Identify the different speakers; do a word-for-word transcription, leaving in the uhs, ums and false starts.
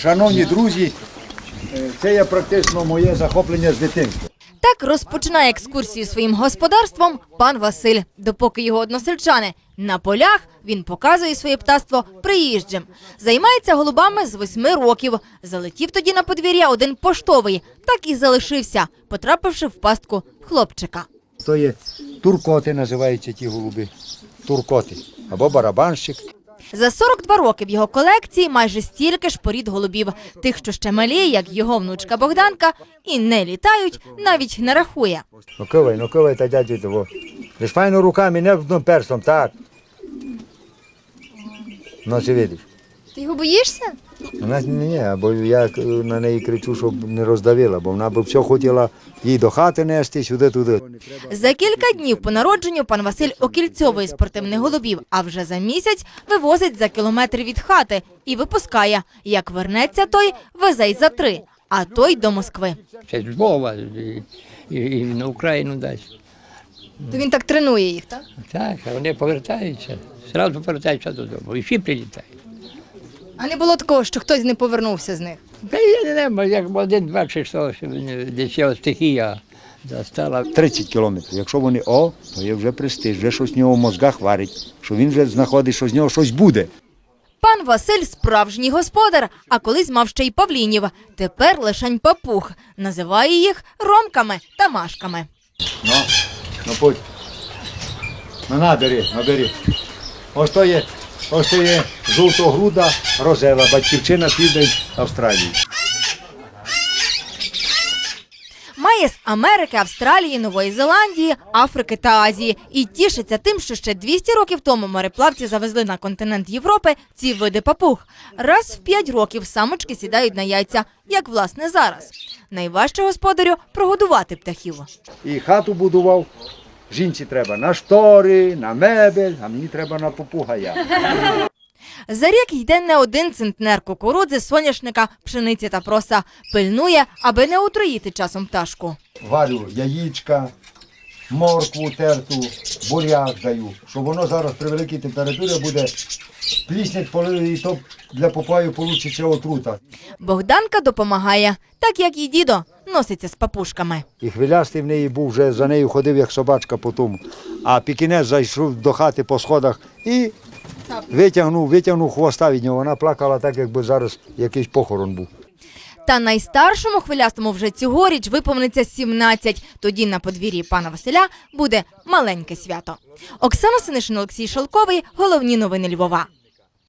Speaker 1: Шановні друзі, це є практично моє захоплення з дитинства.
Speaker 2: Так розпочинає екскурсію своїм господарством пан Василь. Допоки його односельчани на полях, він показує своє птаство приїжджим. Займається голубами з восьми років. Залетів тоді на подвір'я один поштовий, так і залишився, потрапивши в пастку хлопчика.
Speaker 1: То є туркоти, називаються ті голуби. Туркоти або барабанщик.
Speaker 2: За сорок два роки в його колекції майже стільки ж порід голубів. Тих, що ще малі, як його внучка Богданка, і не літають, навіть не рахує.
Speaker 1: Ну ковай, ну ковай, та дядю того. Лиш файно руками, не одним перстом, так. Ну, чи видиш?
Speaker 2: Ти його боїшся?
Speaker 1: Вона ні, ні, бо я на неї кричу, щоб не роздавила, бо вона б все хотіла їй до хати нести, сюди-туди.
Speaker 2: За кілька днів по народженню пан Василь окільцьовує спортивних голубів, а вже за місяць вивозить за кілометр від хати і випускає. Як вернеться той, везе й за три, а той до Москви.
Speaker 3: Це з Львова і, і, і на Україну дасть.
Speaker 2: То він так тренує їх, так?
Speaker 3: Так, а вони повертаються, одразу повертаються додому, і всі прилітають.
Speaker 2: А не було такого, що хтось не повернувся з них?
Speaker 3: Та я не знаю, як один-два чи що, що десь його стихія застала.
Speaker 1: тридцять кілометрів. Якщо вони о, то є вже престиж, вже щось в нього в мозгах варить, що він вже знаходить, що з нього щось буде.
Speaker 2: Пан Василь – справжній господар, а колись мав ще й павлінів. Тепер лишень папуг. Називає їх ромками та машками.
Speaker 1: Ну, ну путь. Ну набери, набери. Ось то є, ось то є жовтогруда розела, батьківщина південь Австралії.
Speaker 2: Має з Америки, Австралії, Нової Зеландії, Африки та Азії. І тішиться тим, що ще двісті років тому мореплавці завезли на континент Європи ці види папуг. Раз в п'ять років самочки сідають на яйця, як власне зараз. Найважче господарю – прогодувати птахів.
Speaker 1: І хату будував. Жінці треба на штори, на мебель, а мені треба на попугая.
Speaker 2: За рік йде не один центнер кукурудзи, соняшника, пшениці та проса. Пильнує, аби не отруїти часом пташку.
Speaker 1: Варю яєчка, моркву терту, буряк даю, щоб воно зараз при великій температурі буде пліснять, і то для попаю получиться отрута.
Speaker 2: Богданка допомагає, так як і дідо носиться з папушками.
Speaker 1: І хвилястий в неї був, вже за нею ходив, як собачка по тому. А пікінець зайшов до хати по сходах і витягнув, витягнув хвоста від нього. Вона плакала так, якби зараз якийсь похорон був.
Speaker 2: Та найстаршому хвилястому вже цьогоріч виповниться сімнадцять. Тоді на подвір'ї пана Василя буде маленьке свято. Оксана Синишин, Олексій Шелковий. Головні новини Львова.